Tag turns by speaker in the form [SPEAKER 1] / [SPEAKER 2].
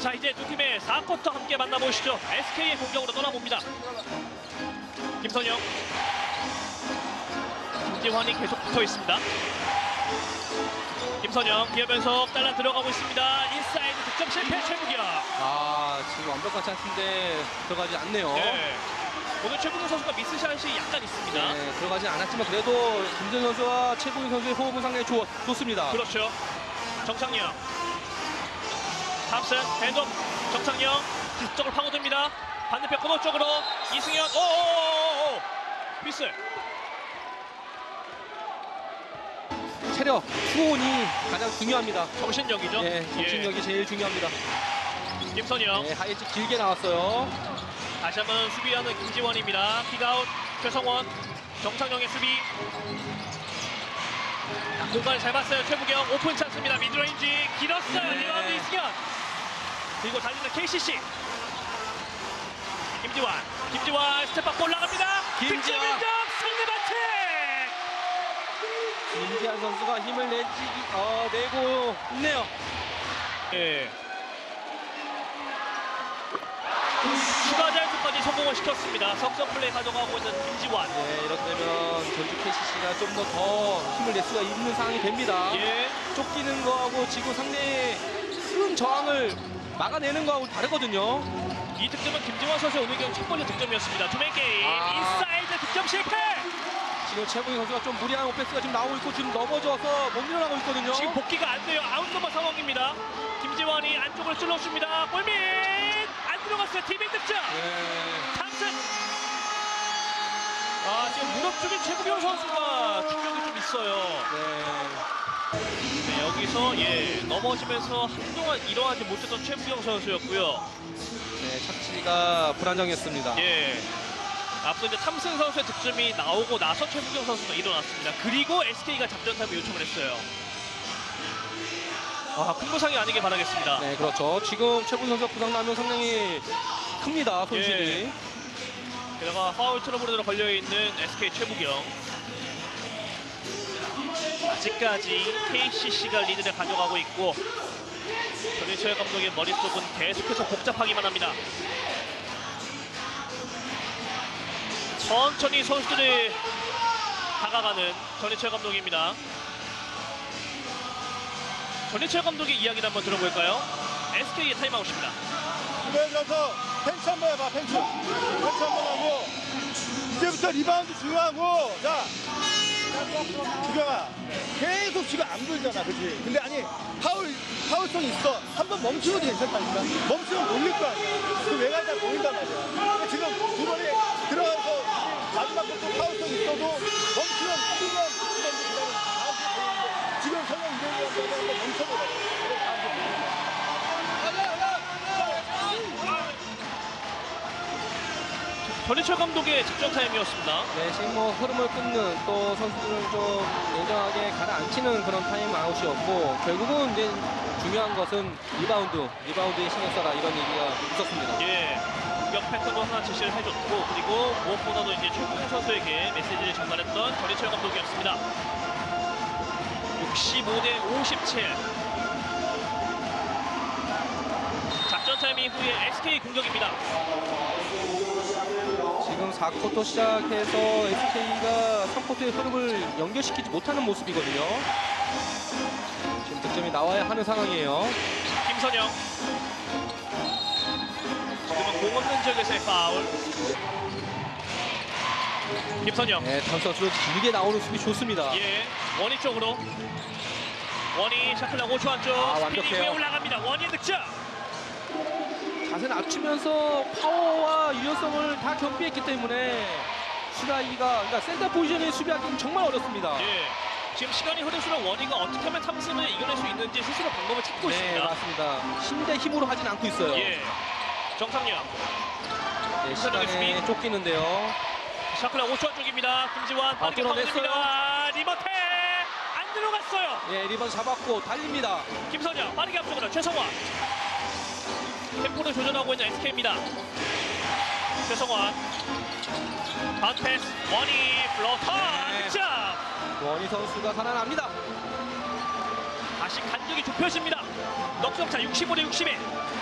[SPEAKER 1] 자, 이제 두 팀의 4쿼터 함께 만나보시죠. SK의 공격으로 떠나봅니다. 김선영, 김지환이 계속 붙어 있습니다. 김선영 기어면서 따라 들어가고 있습니다. 인사이드 득점 실패. 최국영.
[SPEAKER 2] 지금 완벽한 찬스인데 들어가지 않네요.
[SPEAKER 1] 네. 오늘 최국영 선수가 미스샷이 약간 있습니다.
[SPEAKER 2] 네, 들어가지 않았지만 그래도 김선 선수와 최국영 선수의 호흡은 상당히 좋습니다.
[SPEAKER 1] 그렇죠. 정창영, 탑슨 핸드업. 정창영 뒤쪽으로 파고듭니다. 반대편 코너 쪽으로 이승현. 오오오오 휘슬.
[SPEAKER 2] 체력, 수온이 가장 중요합니다.
[SPEAKER 1] 정신력이죠.
[SPEAKER 2] 네, 정신력이 제일 중요합니다.
[SPEAKER 1] 김선영.
[SPEAKER 2] 네, 하이킥 길게 나왔어요.
[SPEAKER 1] 다시 한번 수비하는 김지원입니다. 킥아웃. 최성원. 정창영의 수비. 공간을 잘 봤어요. 최부경. 오픈 찬스입니다. 미드레인지 길었어요.
[SPEAKER 2] 네.
[SPEAKER 1] 리바운드 이승현. 그리고 달리는 KCC. 김지환 스텝업 올라갑니다. 득점 인정. 상대 반칙.
[SPEAKER 2] 김지환 선수가 힘을 내고 있네요.
[SPEAKER 1] 예. 추가 자유투까지 성공을 시켰습니다. 석점 플레이 가져가고 있는 김지환.
[SPEAKER 2] 네, 이렇게 되면 전주 KCC가 좀 더 힘을 낼 수가 있는 상황이 됩니다.
[SPEAKER 1] 예.
[SPEAKER 2] 쫓기는 거하고 지금 상대의 큰 저항을 막아내는 거하고 다르거든요.
[SPEAKER 1] 이 득점은 김지환 선수의 오늘 경기 첫 번째 득점이었습니다. 투맨 게임. 인사이드 득점 실패.
[SPEAKER 2] 지금 최국영 선수가 좀 무리한 오페스가 지금 나오고 있고 지금 넘어져서 못 일어나고 있거든요.
[SPEAKER 1] 지금 복귀가 안 돼요. 아웃넘버 상황입니다. 김지환이 안쪽으로 찔러줍니다. 골밑 안 들어갔어요. 팀의 득점.
[SPEAKER 2] 네.
[SPEAKER 1] 탑슨. 지금 무릎 쪽인 최국영 선수가 충격이 좀 있어요. 네, 여기서 넘어지면서 한동안 일어나지 못했던 최국영 선수였고요.
[SPEAKER 2] 네, 착지가 불안정했습니다.
[SPEAKER 1] 앞서 이제 탐슨 선수의 득점이 나오고 나서 최국영 선수가 일어났습니다. 그리고 SK가 작전 타임을 요청을 했어요. 큰 부상이 아니길 바라겠습니다.
[SPEAKER 2] 네, 그렇죠. 지금 최국영 선수가 부상 나면 상당히 큽니다, 손실이.
[SPEAKER 1] 게다가 파울 트러블으로 걸려있는 SK 최부경. 아직까지 KCC가 리드를 가져가고 있고 전희철 감독의 머릿속은 계속해서 복잡하기만 합니다. 천천히 선수들이 다가가는 전희철 감독입니다. 전희철 감독의 이야기를 한번 들어볼까요? SK의 타임아웃입니다.
[SPEAKER 3] 이번에 들어서 펜치 한번 해봐. 펜치 한번 하고 이제부터 리바운드 중요하고. 자, 주경아 계속 지금 안 돌잖아, 그렇지? 근데 아니 파울성 있어. 한번 멈추어도 괜찮다니까. 멈추면 몰릴 거 아니야. 그 외곽이 다 보인단 말이야. 근데 지금 두 번에 들어가서 마지막 것도 파울성 있어도 멈추면 뛰면 기다리는 다음 주 보이는데 지금 설령 이대로 한번 멈춰보라고. 다음 주 보이는데.
[SPEAKER 1] 전희철 감독의 작전 타임이었습니다.
[SPEAKER 2] 네, 지금 뭐 흐름을 끊는 또 선수들을 좀 예정하게 가라앉히는 그런 타임아웃이었고 결국은 이제 중요한 것은 리바운드에 신경 써라 이런 얘기가 있었습니다.
[SPEAKER 1] 공격 패턴도 하나 제시를 해줬고 그리고 무엇보다도 이제 최국영 선수에게 메시지를 전달했던 전희철 감독이었습니다. 65대 57. 작전 타임 이후에 SK 공격입니다.
[SPEAKER 2] 지금 4쿼터 시작해서 SK가 3쿼터의 흐름을 연결시키지 못하는 모습이거든요. 지금 득점이 나와야 하는 상황이에요.
[SPEAKER 1] 김선영. 지금은 공 없는 지역에서의 파울. 김선영.
[SPEAKER 2] 네, 다음 선수 길게 나오는 수비 좋습니다.
[SPEAKER 1] 원희 쪽으로. 원희 샤클락 5초 안쪽. 스피드 위에 올라갑니다. 원희 득점.
[SPEAKER 2] 자세 낮추면서 파워와 유연성을 다 겸비했기 때문에 그러니까 센터 포지션에 수비하기는 정말 어렵습니다.
[SPEAKER 1] 지금 시간이 흐를수록 원희가 어떻게 하면 탐슨을 이겨낼 수 있는지 스스로 방법을 찾고 있습니다.
[SPEAKER 2] 네, 맞습니다. 힘 대 힘으로 하진 않고 있어요.
[SPEAKER 1] 정상영.
[SPEAKER 2] 네, 시간에 쫓기는데요.
[SPEAKER 1] 샤클락 5초 안쪽입니다. 김지환 빠르게 파고듭니다. 리버테 안 들어갔어요.
[SPEAKER 2] 리번 잡았고 달립니다.
[SPEAKER 1] 김선영 빠르게 앞쪽으로 최성환. 템포를 조절하고 있는 SK입니다. 최성환 반패스 원희 플로터 득점.
[SPEAKER 2] 원희 선수가 살아납니다.
[SPEAKER 1] 다시 간격이 좁혀집니다. 넉넉차 65대 61.